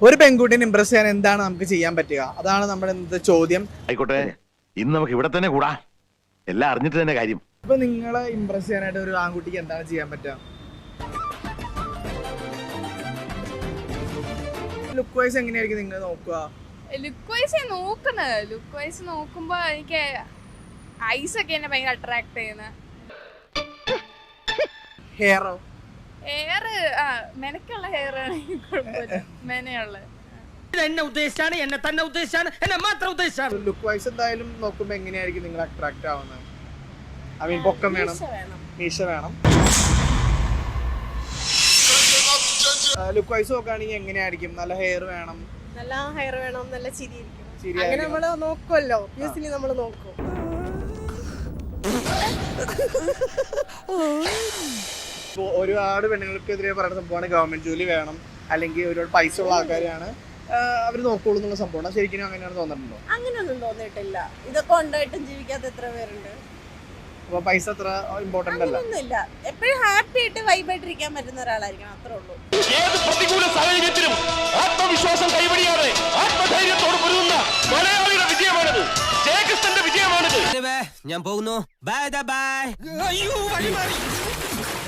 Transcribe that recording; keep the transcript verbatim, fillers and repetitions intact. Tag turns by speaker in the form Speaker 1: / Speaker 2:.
Speaker 1: ഒരു പെൺകുട്ടിനെ ഇംപ്രസ് ചെയ്യാൻ എന്താണ് നമുക്ക് ചെയ്യാൻ പറ്റുക? അതാണ് നമ്മുടെ ഇന്നത്തെ ചോദ്യം.
Speaker 2: ആയിക്കോട്ടെ, ഇന്ന് നമുക്ക് ഇവിടെ തന്നെ കൂടാ. എല്ലാം അറിഞ്ഞിട്ട് തന്നെ കാര്യം.
Speaker 1: ഇപ്പൊ നിങ്ങളെ ഇംപ്രസ് ചെയ്യാനായിട്ട് ഒരു ആൺകുട്ടിക്ക് എന്താണ് ചെയ്യാൻ പറ്റുക? ലുക്ക് വൈസ് എങ്ങനെയായിരിക്കും നിങ്ങൾ നോക്കുക?
Speaker 3: ലുക്ക് വൈസ് നോക്കുന്നത് ലുക്ക് വൈസ് നോക്കുമ്പോ എനിക്ക് ഐസ് ഒക്കെ എന്നെ ഭയങ്കര അട്രാക്ട് ചെയ്യുന്നത്.
Speaker 1: ഹെയറോ?
Speaker 3: ഹെയർ ആ മെനക്കുള്ള ഹെയർ ആണെങ്കിൽ കുഴപ്പമില്ല. മെനയുള്ള
Speaker 4: എന്നെ ഉദ്ദേശിച്ചാണ്, എന്നെ തന്നെ ഉദ്ദേശിച്ചാണ്, എന്നെ മാത്രം ഉദ്ദേശിച്ചാണ്.
Speaker 1: ലുക്ക് വൈസ് എന്തായാലും നോക്കുമ്പോ എങ്ങനെയായിരിക്കും നിങ്ങൾ അട്രാക്ട് ആവുന്നത്? ഐ മീൻ പൊക്കം വേണം, മീശ വേണം. ലുക്ക് വൈസ് നോക്കുകയാണെങ്കിൽ എങ്ങനെയായിരിക്കും? നല്ല ഹെയർ വേണം,
Speaker 5: നല്ല ഹെയർ വേണം, നല്ല ചിരി ഇരിക്കണം.
Speaker 1: ചിരി
Speaker 5: അങ്ങനെ
Speaker 1: ആയിരിക്കണം.
Speaker 5: നമ്മള് നോക്കുമല്ലോ, യൂസ്വലി നമ്മള് നോക്കും.
Speaker 1: ഇപ്പോൾ ഒരുപാട് പെണ്ണുങ്ങൾക്കെതിരെ പറയുന്ന സംഭവമാണ് ഗവൺമെന്റ് ജോലി വേണം, അല്ലെങ്കിൽ ഒരുപാട് പൈസ ഉള്ള ആൾക്കാരാണ് അവർ നോക്കുള്ളൂ എന്നുള്ള സംഭവമാണ്. ശരിക്കും അങ്ങനെയാണ് തോന്നിട്ടുണ്ടോ?
Speaker 5: അങ്ങനെയൊന്നും തോന്നിയിട്ടില്ല. ഇതൊക്കെ ഉണ്ടായിട്ടും ജീവിക്കാത്ത എത്ര പേരുണ്ട്.
Speaker 1: അപ്പൊ പൈസ അത്ര ഇമ്പോർട്ടന്റ് അല്ല.
Speaker 5: അങ്ങനെയൊന്നുമില്ല. എപ്പോഴും ഹാപ്പി ആയിട്ട് വൈബായിട്ടിരിക്കാൻ പറ്റുന്ന ഒരാളായിരിക്കണം, അത്രേ ഉള്ളൂ.
Speaker 6: ഏത് പ്രതികൂല സാഹചര്യത്തിലും ആത്മവിശ്വാസം കൈവടിയാതെ ആത്മധൈര്യത്തോട് പൊരുതുന്ന മലയാളിയുടെ വിജയമാണിത്. ജയകൃഷ്ണന്റെ വിജയമാണിത്.
Speaker 4: ഞാൻ പോകുന്നു. Bye bye. അയ്യോ വഴി മാറി.